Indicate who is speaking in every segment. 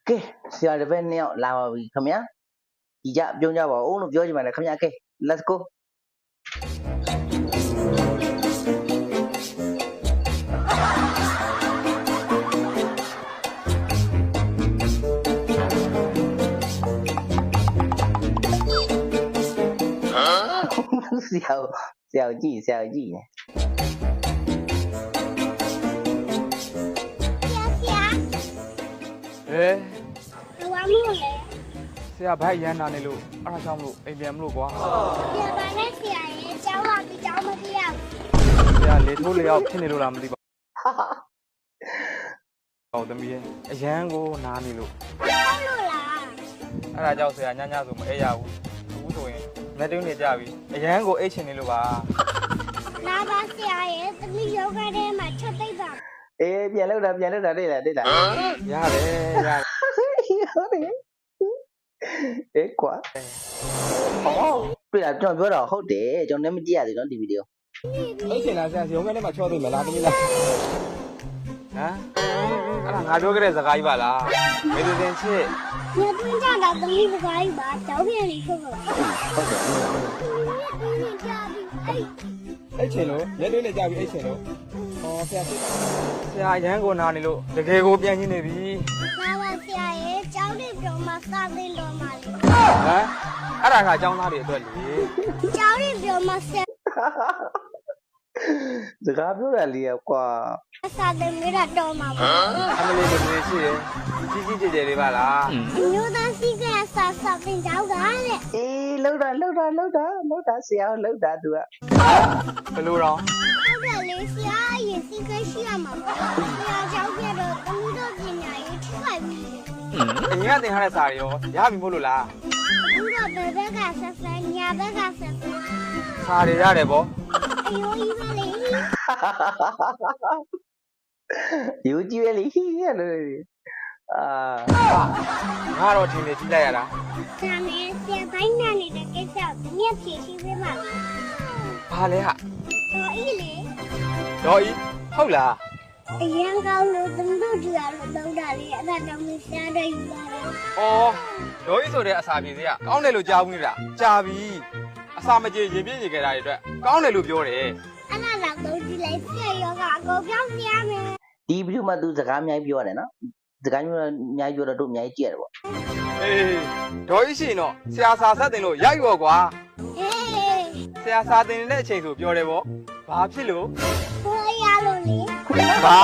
Speaker 1: ကဲဆရာတစ်ပည့်နှစ်ယောက်လာပါပြီခင်ဗျာဒီကြပြုံးကြပါဦးလို့ပြောချင်ပါတယ်ခင်ဗျာကဲ let's go ဆရာကြည့်နေ
Speaker 2: ဆရာဘာမလို့လဲ
Speaker 3: ဆရာဘိုက်ရမ်းတာနေလို့အားကြောင့်မလို့အိမ်ပြန်မလို့ကွာ
Speaker 2: ဆရာဘာနဲ့ဆရာရဲ့ကျောင်းလာပြီးကျောင်းမပြေရ
Speaker 3: ဆရာလေထိုးလျောက်ဖြစ်နေလို့လားမသိပါဟုတ်သမီးရဲ့အရန်ကိုနားနေလို့
Speaker 2: ဟုတ်လို့လား
Speaker 3: အဲ့ဒါကြောင့်ဆရာညညဆိုမအိပ်ရဘူးအခုဆိုရင်လက်တွင်းနေကြပြီအရန်ကိုအိတ်ချင်နေလို့ပါ
Speaker 2: လာပါဆရာရဲ့သမီးယောဂထဲမှာချက်သိပ်ပါ
Speaker 1: အေးပြန်လောက်တာတွေ့လား
Speaker 3: ရတယ်ရတယ်
Speaker 1: အေးကွာဟောတွေ့လားကျွန်တော်ပြောတော့ဟုတ်တယ်ကျွန်တော်လည်းမကြည့်ရသေးနော်ဒီဗီဒီယို
Speaker 3: အိတ်ချင်လားဆရာရုံးထဲမှာချောသိမလားသမီးလားဟမ်အဲ့ဒါငါပြောခဲ့တဲ့စကားကြီးပါလားမေသူတင်ချစ်
Speaker 2: ညတွင်းကြတာသမီးစကားကြီးပါကျောင်းပြန်နေခုတ်ဟုတ်
Speaker 1: တယ်
Speaker 3: အိတ်ချင်လို့လက်တွင်းနဲ့ကြာပြီအိတ်ချင်လို့ဟောဆရာရန်ကိုနာနေလို့တကယ်ကိုပြန်ရှင်းနေပြီ
Speaker 2: လာပါဆရာရဲ့ကျောင်းနေပြောမှစသင်တော်မှာလေ
Speaker 3: ဟမ်အဲ့ဒါကကျောင်းသားတွေအတွက်လေ
Speaker 2: ကျောင်းနေပြောမှ
Speaker 1: စကားပြောရလေကွာ
Speaker 2: စသင်မိတာတော်မှာပါ
Speaker 3: အမလေးတို့နေရှိတယ်ကြီးကြဲလေးပါလား
Speaker 2: မျိုးသားစီးကဆာသင်ကျောင်းကတဲ့
Speaker 1: အေးလှုပ်တာဆရာလှုပ်တာသူက
Speaker 3: ဘယ်လိုတော့
Speaker 2: ဟုတ်တယ်လေဆရာရဲ့စီးကရှိရမှာပါဆရာကျောင်းပြတော့သမီးတို့ပညာရေးထိခိုက်ပြီ
Speaker 3: အရင်ကသင်ထားတဲ့စာတွေရောရပြီမို့လို့လား
Speaker 2: ဘူးတော့ဘယ်ဘက်ကဆက်ဆက်ညာဘက်ကဆက်ဆက်
Speaker 3: စာတွေရတယ်ဗော
Speaker 2: အယိုးကြီးပဲလေ
Speaker 1: ယူကြည့်ရလေရတယ်
Speaker 3: ငါတော့ထင်နေကြည့်လိုက်ရတာ
Speaker 2: ဆရာမင်းဆရာပိုင်းနဲ့နေတဲ့ကိစ္စကိုမြက်ဖြေရှင်းပေးပါလား
Speaker 3: ဘာလဲဟာ
Speaker 2: တော်ဤလေ
Speaker 3: တော်ဤဟုတ်လား
Speaker 2: အရန်ကောင်းလို့သမီးတို့ကြည့်ရလို့တောင်းတာလေအဲ့ဒါတောင်းနေဆရာတွေယူလာတယ်
Speaker 3: အော်တော်ဤဆိုတဲ့အစာပြေစရာကောင်းတယ်လို့ကြားဘူးနေတာကြားပြီအစာမကြေရင်ပြည့်နေကြတာတွေအတွက်ကောင်းတယ်လို့ပြောတယ်
Speaker 2: အဲ့ဒါတော့သုံးကြည့်လိုက်ဆရာရောကအကုန်ပြောင်းပြရမယ်
Speaker 1: ဒီဗီဒီယိုမှာသူစကားအများကြီးပြောရတယ်နော်စကားမျိုးအများကြီးပြောတော့တို့အများကြီးကြည့်ရတယ်ပေါ့
Speaker 3: အေးဒေါ်ကြီးရှင်တော့ဆရာစာဆက်တင်လို့ရိုက်ရောကွာ
Speaker 2: အေး
Speaker 3: ဆရာစာတင်နေတဲ့အချိန်ဆိုပြောတယ်ပေါ့ဘာဖြစ်လို့
Speaker 2: ကိုရလို့လေ
Speaker 3: ဘာ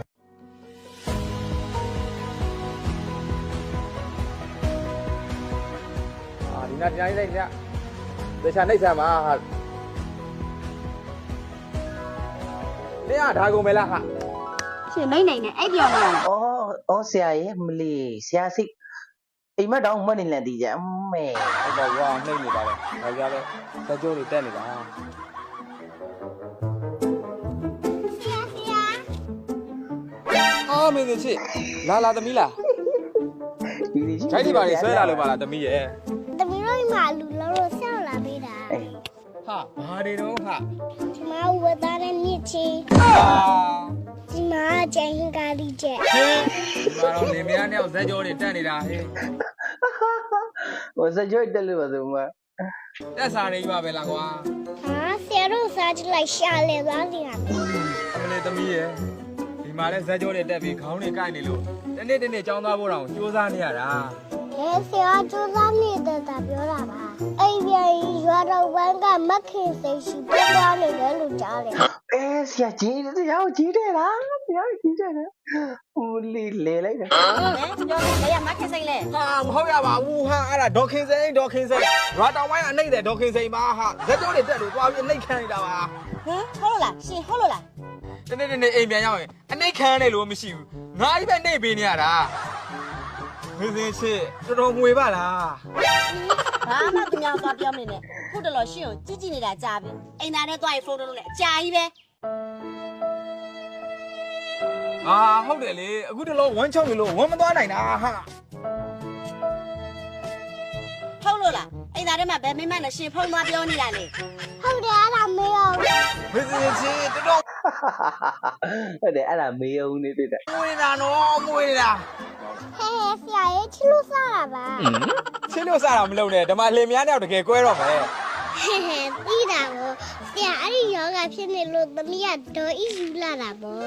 Speaker 3: ဒီနေ့တရားရေးလိုက်ညဒေချာနှိပ်ဆံမှာဟာနေရဒါကုန်မယ်လားဟာ
Speaker 2: ရှင်နိုင်နေအဲ့ပြောင်းလာ
Speaker 1: အော်ဆရာရဲ့မလီဆရာစိတ်အိမ်မက်တောင်မှတ်နေလန်တီးကြအမေ
Speaker 3: ဟုတ်ပါဘူးနှိပ်နေတာပဲဒါကြလဲစကြိုးတွေတက်နေတာအော်မင်းတို့ချစ်လာသမီးလားဂျိုက်ဒီပါနေဆွဲလာလို့ပါလားသမီးရဲ့
Speaker 2: သမီးတို့မှလူလုံးလို့ဆောက်လာပေးတာ
Speaker 3: ဟာဘာတွေတော့ဟာ
Speaker 2: ဒီမှာဝတ်သားတဲ့မြစ်ချင်းဒီမှာကျန်ဟင်ကားလေးချက်
Speaker 3: ဒီမှာတော့နေမရနဲ့ဇက်ကြောတွေတက်နေတာဟဲ့
Speaker 1: ဟိုဇက်ကြောတက်လို့ပါဆိုမှ
Speaker 3: တက်စားနေပါပဲလားကွာ
Speaker 2: ဟာဆရာတို့စားကြည့်လိုက်ရှာလေသွားစီရမယ်
Speaker 3: အမလေးသမီးရဲ့ဒီမှာလဲဇက်ကြောတွေတက်ပြီးခေါင်းတွေကိုက်နေလို့တနေ့ကြောင်းသွားဖို့တောင်စူးစမ်းနေရတာ
Speaker 2: ဆရာစူးစမ်းနေတဲ့တာပြောတာပါအိမ်ပြန်ရွာတော်ဝမ်းကမခင်စိတ်ရှိပြသွားနေတယ်လို့ကြားတယ်
Speaker 1: ဆရာကြီးတရားကိုကြီးတယ်လားဆရာကြီးတယ်ဟိုလေလိုက်တယ်
Speaker 2: ပြောနေလေမခင်စိတ်လေ
Speaker 3: ဟာမဟုတ်ရပါဘူးဟာအဲ့ဒါဒေါခင်စိန်ရွာတော်ဝိုင်းအနှိမ့်တယ်ဒေါခင်စိန်ပါဟာဇက်ကြောတွေတက်လို့သွားပြီးအနှိမ့်ခံနေတာပါ
Speaker 2: ဟမ်ဟုတ်လားရှင်ဟုတ်လို့လား
Speaker 3: တနေ့အိမ်ပြန်ရောက်ရင်အနှိမ့်ခံတယ်လို့မရှိဘူးငါကြီးပဲနှိမ့်ပေးနေရတာမင်းစင်ချစ်တော်တော်ငွေပါလား
Speaker 2: ဘာမှသူများသွားပြောမနေနဲ့ခုတလောရှင်းကိုကြည့်နေတာကြားပြီအိမ်သားနဲ့သွားရင်ဖုန်းလုပ်လို့လေအကြာကြီးပဲ
Speaker 3: ဟုတ်တယ်လေအခုတလောဝမ်းချောင်းနေလို့ဝမ်းမသွားနိုင်တာဟာ
Speaker 2: ဟုတ်လို့လားအိမ်သားထဲမှာဘယ်မိမနဲ့ရှင်ဖုန်းသွားပြောနေတာလေဟုတ်တယ်အဲ့ဒါမေးအောင်
Speaker 3: မင်းစင်ချစ်တော်
Speaker 1: ဟုတ်တယ်အဲ့ဒါမေးအောင်နေတွေ့တယ်
Speaker 3: ငွေတာနော်ငွေတာ
Speaker 2: ဟဲ့ဆရာရချစ်လို့စားတာပါ
Speaker 3: ချစ်လို့စားတာမလုပ်နဲ့ဓမ္မလင်များတော့တကယ်ကွဲတော့မယ်
Speaker 2: ဟဲ့ပြီးတာပေါ့ဆရာအဲ့ဒီယောဂဖြစ်နေလို့သမီးကဒေါ်ဤယူလာတာပေါ့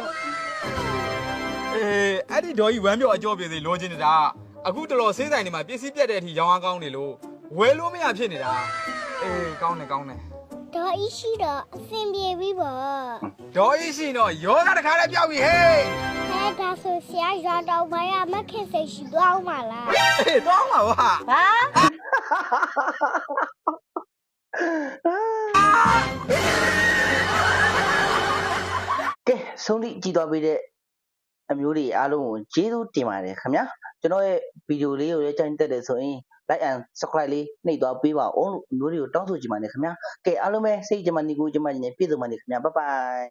Speaker 3: အဲ့ဒီဒေါ်ကြီးဝမ်းပြောအကျော်ပြေစီလိုချင်နေတာအခုတော်တော်ဆေးဆိုင်တွေမှာပစ္စည်းပြတ်တဲ့အထိရောင်းအားကောင်းနေလို့ဝယ်လို့မရဖြစ်နေတာကောင်းတယ်ကောင်းတယ်
Speaker 2: ဒေါ်ဤရှိတော့အဆင်ပြေပြီပေါ့
Speaker 3: ဒေါ်ကြီးရှိတော့ယောဂတခါလည်းပြောက်ပြီဟေး
Speaker 2: ဟဲ့ဒါဆိုဆရာရွာတော်ပိုင်းကမခင်စိတ်ရှိသွားအောင်ပါလား
Speaker 3: တော့မှာပါ
Speaker 4: ဘာ
Speaker 1: ကဲဆုံးထိကြည်သွားပြီးတဲ့အမျိုးတွေအားလုံးကိုကျေးဇူးတင်ပါတယ်ခင်ဗျာကျွန်တော်ရဲ့ဗီဒီယိုလေးကိုလည်းကြိုက်တက်တယ်ဆိုရင် like and subscribe လေးနှိပ်သွားပေးပါအောင်လို့အမျိုးတွေကိုတောင်းဆိုချင်ပါတယ်ခင်ဗျာကဲအားလုံးပဲစိတ်ကြမနေကိုကြမနေပြည့်စုံပါနေခင်ဗျာ bye bye